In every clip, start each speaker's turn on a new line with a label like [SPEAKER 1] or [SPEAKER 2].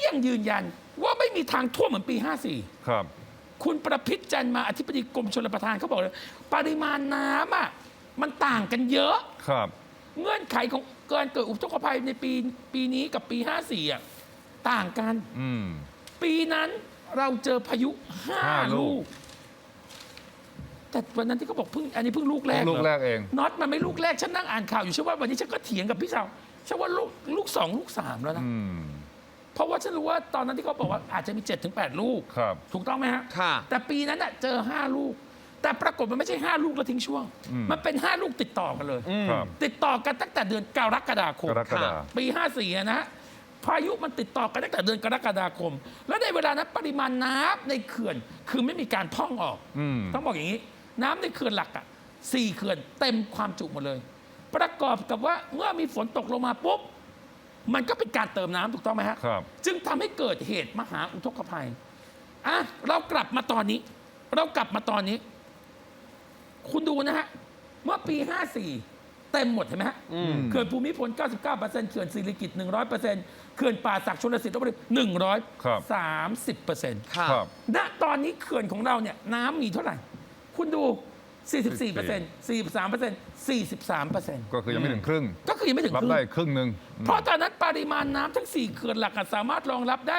[SPEAKER 1] ยังยืนยันว่าไม่มีทางท่วมเหมือนปี 54
[SPEAKER 2] ครับ
[SPEAKER 1] คุณประพิษจันทร์มาอธิบดีกรมชลประทานเขาบอกเลยปริมาณน้ำอ่ะมันต่างกันเยอะ
[SPEAKER 2] ครับ
[SPEAKER 1] เงื่อนไขของการเกิดอุทกภัยในปีนี้กับปี 54 อ่ะต่างกัน
[SPEAKER 2] อืม
[SPEAKER 1] ปีนั้นเราเจอพายุ 5 ลูก แต่วันนั้นที่เขาบอกอันนี้เพิ่งลูกแรก
[SPEAKER 2] ลูกแรกเอง
[SPEAKER 1] น็อตมันไม่ลูกแรก ฉันนั่งอ่านข่าวอยู่ฉันว่าวันนี้ฉันก็เถียงกับพี่ชาวฉันว่าลูก 2 ลูก 3 แล้วนะ
[SPEAKER 2] อืม
[SPEAKER 1] เพราะว่าฉันรู้ว่าตอนนั้นที่เขาบอกว่าอาจจะมี 7-8 ลูก
[SPEAKER 2] ครับ
[SPEAKER 1] ถูกต้องไหมฮะ
[SPEAKER 3] ค่ะ
[SPEAKER 1] แต่ปีนั้นน่ะเจอ 5 ลูก แต่ปรากฏมันไม่ใช่ 5 ลูกแล้วทิ้งช่วง มันเป็น 5 ลูกติดต่อกันเลย
[SPEAKER 2] ครับ
[SPEAKER 1] ติดต่อกันตั้งแต่เดือนกรกฎาคม
[SPEAKER 2] กรกฎาคม
[SPEAKER 1] ปี 54อะนะฮะพายุมันติดต่อกันตั้งแต่เดือนกรกฎาคม และในเวลานั้นปริมาณน้ำในเขื่อนคือไม่มีการพร่องออก ต้องบอกอย่างนี้ น้ำในเขื่อนหลักอ่ะ4 เขื่อนเต็มความจุหมดเลย ประกอบกับว่าเมื่อมีฝนตกลงมาปุ๊บ มันก็เป็นการเติมน้ำถูกต้องไหมฮะ
[SPEAKER 2] ครับ
[SPEAKER 1] จึงทำให้เกิดเหตุมหาอุทกภัยอ่ะเรากลับมาตอนนี้ คุณดูนะฮะ เมื่อปี 54 เต็มหมดเห็นไหมฮะ เขื่อนภูมิพล 99%เขื่อนสิริกิติ์ 100%เขื่อนป่าสักชลสิทธิ์ลพบุรี
[SPEAKER 2] ครับ
[SPEAKER 1] 130%
[SPEAKER 3] ค่ะ
[SPEAKER 2] ครับ
[SPEAKER 1] ณตอนนี้เขื่อนของเราเนี่ยน้ำมีเท่าไหร่ คุณดู 44% 43% 43%
[SPEAKER 2] ก็คือยังไม่ถึงครึ่ง
[SPEAKER 1] ก็คือยังไม่ถึง
[SPEAKER 2] รับ
[SPEAKER 1] ครึ่ง
[SPEAKER 2] ได้ครึ่งหนึ่ง
[SPEAKER 1] เพราะตอนนั้นปริมาณน้ำทั้ง 4 เขื่อนหลักอะสามารถรองรับได้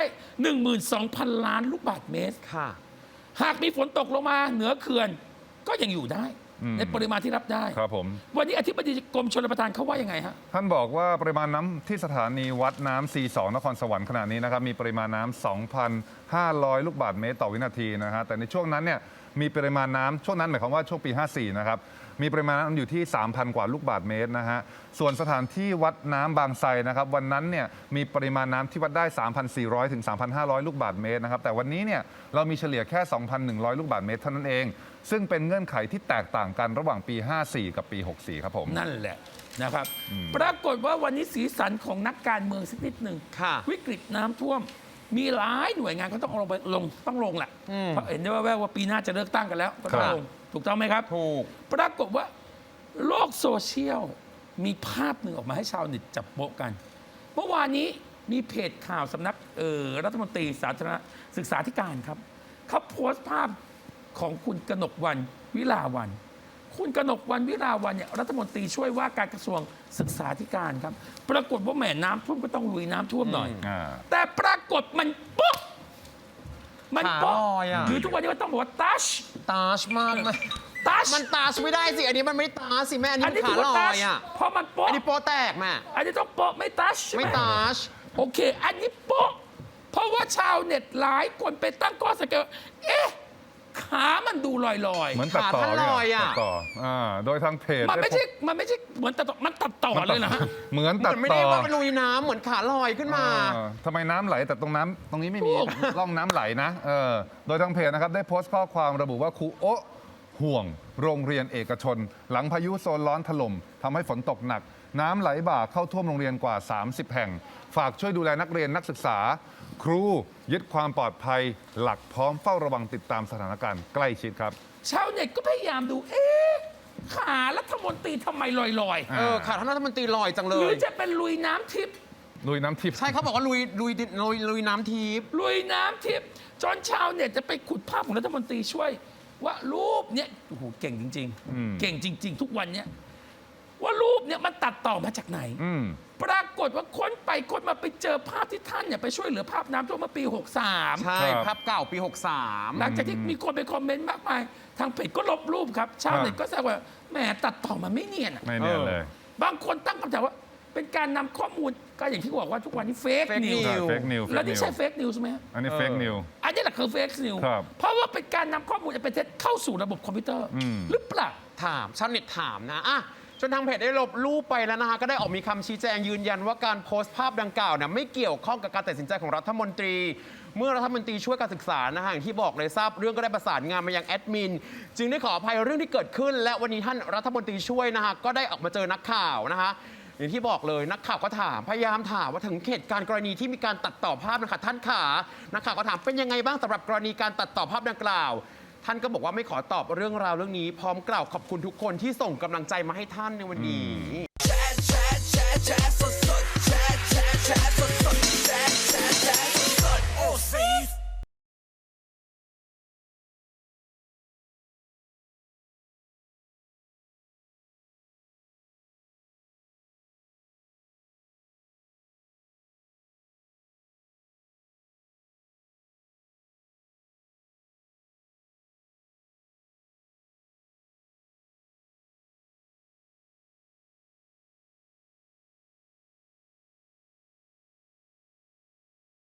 [SPEAKER 1] 12,000 ล้านลูกบาศก์เมตร
[SPEAKER 3] ค่ะ
[SPEAKER 1] หากมีฝนตกลงมาเหนือเขื่อนก็ยังอยู่ได้ ในปริมาณที่รับได้
[SPEAKER 2] ครับผม
[SPEAKER 1] วันนี้อธิบดีกรมชลประทานเขาว่ายังไงฮะ
[SPEAKER 2] ท่านบอกว่าปริมาณน้ำที่สถานีวัดน้ำ C2 นครสวรรค์ขณะนี้นะครับมีปริมาณน้ำ 2,500 ลูกบาศก์เมตรต่อวินาทีนะฮะแต่ในช่วงนั้นเนี่ยมีปริมาณน้ำช่วงนั้นหมายความว่าช่วงปี 54 นะครับมีปริมาณน้ำอยู่ที่ 3,000 กว่าลูกบาศก์เมตรนะฮะส่วนสถานที่วัดน้ำบางไทรนะครับวันนั้นเนี่ยมีปริมาณน้ำที่วัดได้ 3,400 ถึง 3,500 ลูกบาศก์เมตรนะครับแต่วันนี้เนี่ยเรามีเฉลี่ยแค่ 2,100 ลูกบาศก์เมตรเท่านั้นเองซึ่งเป็นเงื่อนไขที่แตกต่างกันระหว่างปี 54 กับปี 64 ครับผม
[SPEAKER 1] นั่นแหละนะครับ ปรากฏว่าวันนี้สีสันของนักการเมืองสักนิดหนึ่ง
[SPEAKER 3] ค่ะ
[SPEAKER 1] วิกฤตน้ำท่วม มีหลายหน่วยงานเขาต้องต้องลงแหละเพราะเห็นได้ว่าแววว่าปีหน้าจะเลือกตั้งกันแล้วก็ต้อง
[SPEAKER 2] ครับ
[SPEAKER 1] ลงถูกต้องไหมครับ
[SPEAKER 3] ถูก
[SPEAKER 1] ปรากฏว่าโลกโซเชียลมีภาพหนึ่งออกมาให้ชาวเน็ตจับโป๊ะกัน เมื่อวานนี้มีเพจข่าวสำนักรัฐมนตรีสาธารณศึกษาธิการครับเขาโพสต์ภาพของคุณกนกวรรณวิลาวัลย์คุณกนกวรรณวิลาวัลย์เนี่ยรัฐมนตรีช่วยว่าการกระทรวงศึกษาธิการครับ ปรากฏว่าแหม่น้ำท่วมก็ต้องลุยน้ำท่วมหน่อย แต่ปรากฏมันโป๊ะมันโป๊ะ
[SPEAKER 3] ขาลอยอะ
[SPEAKER 1] หรือทุกวันนี้ก็ต้องบอกว่าตัช
[SPEAKER 3] ตาชมากไหม
[SPEAKER 1] ตัช
[SPEAKER 3] มันตาชไม่ได้สิ อันนี้มันไม่ตาชสิแม่อันนี้
[SPEAKER 1] อัน
[SPEAKER 3] มัน
[SPEAKER 1] นี้
[SPEAKER 3] ขา
[SPEAKER 1] ถือ
[SPEAKER 3] ล
[SPEAKER 1] ว่า
[SPEAKER 3] อ
[SPEAKER 1] ตัช
[SPEAKER 3] ยอ่ะ
[SPEAKER 1] เพราะมันโป๊ะ
[SPEAKER 3] อันนี้โปแตกแม่
[SPEAKER 1] อันนี้ต้องโป๊ะไม่ตัชใช่ห
[SPEAKER 3] ไม่ตาช
[SPEAKER 1] โอเค อันนี้โป๊ะเพราะว่าชาวเน็ตหลายคนไปตั้งข้อสังเกตว่าเอ๊ะขามันดูลอย
[SPEAKER 2] เหมือนตัดต่อ
[SPEAKER 3] ขาท่านลอยอะ
[SPEAKER 2] ตัดต่อโดยทางเพจ
[SPEAKER 1] ๆมันไม่ใช่เหมือนตัดต่อมันตัดต่อเลยนะฮะ
[SPEAKER 2] เหมือนตัด
[SPEAKER 3] มันไม่
[SPEAKER 2] ต่
[SPEAKER 3] ได้
[SPEAKER 2] อ
[SPEAKER 3] ว่าเป็นลุยน้ำเหมือนขาลอยขึ้นมา
[SPEAKER 2] ทำไมน้ำไหลแต่ตรงนี้ไม่มี
[SPEAKER 1] ถูก
[SPEAKER 2] ร่องน้ำไหลนะโดยทางเพจนะครับได้โพสต์ข้อความระบุว่าครูโอะห่วงโรงเรียนเอกชน หลังพายุโซนร้อนถล่มทำให้ฝนตกหนัก น้ำไหลบ่าเข้าท่วมโรงเรียนกว่า 30 แห่ง ฝากช่วยดูแลนักเรียนนักศึกษา ครูยึดความปลอดภัยหลักพร้อมเฝ้าระวังติดตามสถานการณ์ใกล้ชิดครับ
[SPEAKER 1] ชาวเน็ตก็พยายามดู เอ๊ะขารัฐมนตรีทำไมลอย
[SPEAKER 3] ขาท่านรัฐมนตรีลอยจัง
[SPEAKER 1] ๆ
[SPEAKER 3] เล
[SPEAKER 1] หรือย จะเป็นลุยน้ำทิพย์
[SPEAKER 2] ลุยน้ำทิพย์
[SPEAKER 3] ใช่เขาบอกว่าลุยน้ำทิพย์
[SPEAKER 1] ลุยน้ำทิพย์จนชาวเน็ตจะไปขุดภาพของรัฐมนตรีช่วย ว่ารูปเนี้ยโอ้โหเก่งจริง ๆ เก่งจริง ๆ ทุกวันเนี้ยว่ารูปเนี้ยมันตัดต่อมาจากไหน ปรากฏว่าค้นไปค้นมาไปเจอภาพที่ท่านเนี่ยไปช่วยเหลือภาพน้ำท่วมเมื่อปี 63
[SPEAKER 3] ใช่
[SPEAKER 2] ครับ
[SPEAKER 3] ภาพเก่าปี
[SPEAKER 1] หลังจากที่มีคนไปคอมเมนต์มากมาย ทางเพจก็ลบรูปครับ ชาวเน็ตก็แซวว่าแหมตัดต่อมาไม่เนียนอะ
[SPEAKER 2] ไม่เนียนเลย
[SPEAKER 1] บางคนตั้งคำถามว่า เป็นการนำข้อมูลก็อย่างที่บอกว่าทุกวันนี้เฟก
[SPEAKER 3] Fake
[SPEAKER 1] นิว
[SPEAKER 3] news
[SPEAKER 2] เฟกนิว
[SPEAKER 1] แล้วนี่ใช่เฟกนิวใช่ไหมฮะ
[SPEAKER 2] อันนี้เฟกนิว
[SPEAKER 1] อันนี้แหละคือเฟกนิว
[SPEAKER 2] ครับ
[SPEAKER 1] เพราะว่าเป็นการนำข้อมูลอันเป็นเท็จเข้าสู่ระบบคอมพิวเตอร์ หรือเปล่า
[SPEAKER 3] ถามชาวเน็ตถามนะอ่ะจนทางเพจได้ลบรูปไปแล้วนะคะก็ได้ออกมีคำชี้แจงยืนยันว่าการโพสต์ภาพดังกล่าวเนี่ยไม่เกี่ยวข้องกับการตัดสินใจของรัฐมนตรี เมื่อรัฐมนตรีช่วยการศึกษานะฮะอย่างที่บอกเลยทราบเรื่องก็ได้ประสานงานมายังแอดมินจึงได้ขออภัยเรื่องที่เกิดขึ้น และวันนี้ท่านรัฐมนตรีช่วยนะฮะก็ได้ออกมาเจอนักข่าวนะคะอย่างที่บอกเลยนักข่าวก็ถามพยายามถามว่าถึงเหตุการณ์กรณีที่มีการตัดต่อภาพนะคะท่านขานักข่าวก็ถามเป็นยังไงบ้างสำหรับกรณีการตัดต่อภาพดังกล่าว ท่านก็บอกว่าไม่ขอตอบเรื่องราวเรื่องนี้พร้อมกล่าวขอบคุณทุกคนที่ส่งกำลังใจมาให้ท่านในวันนี้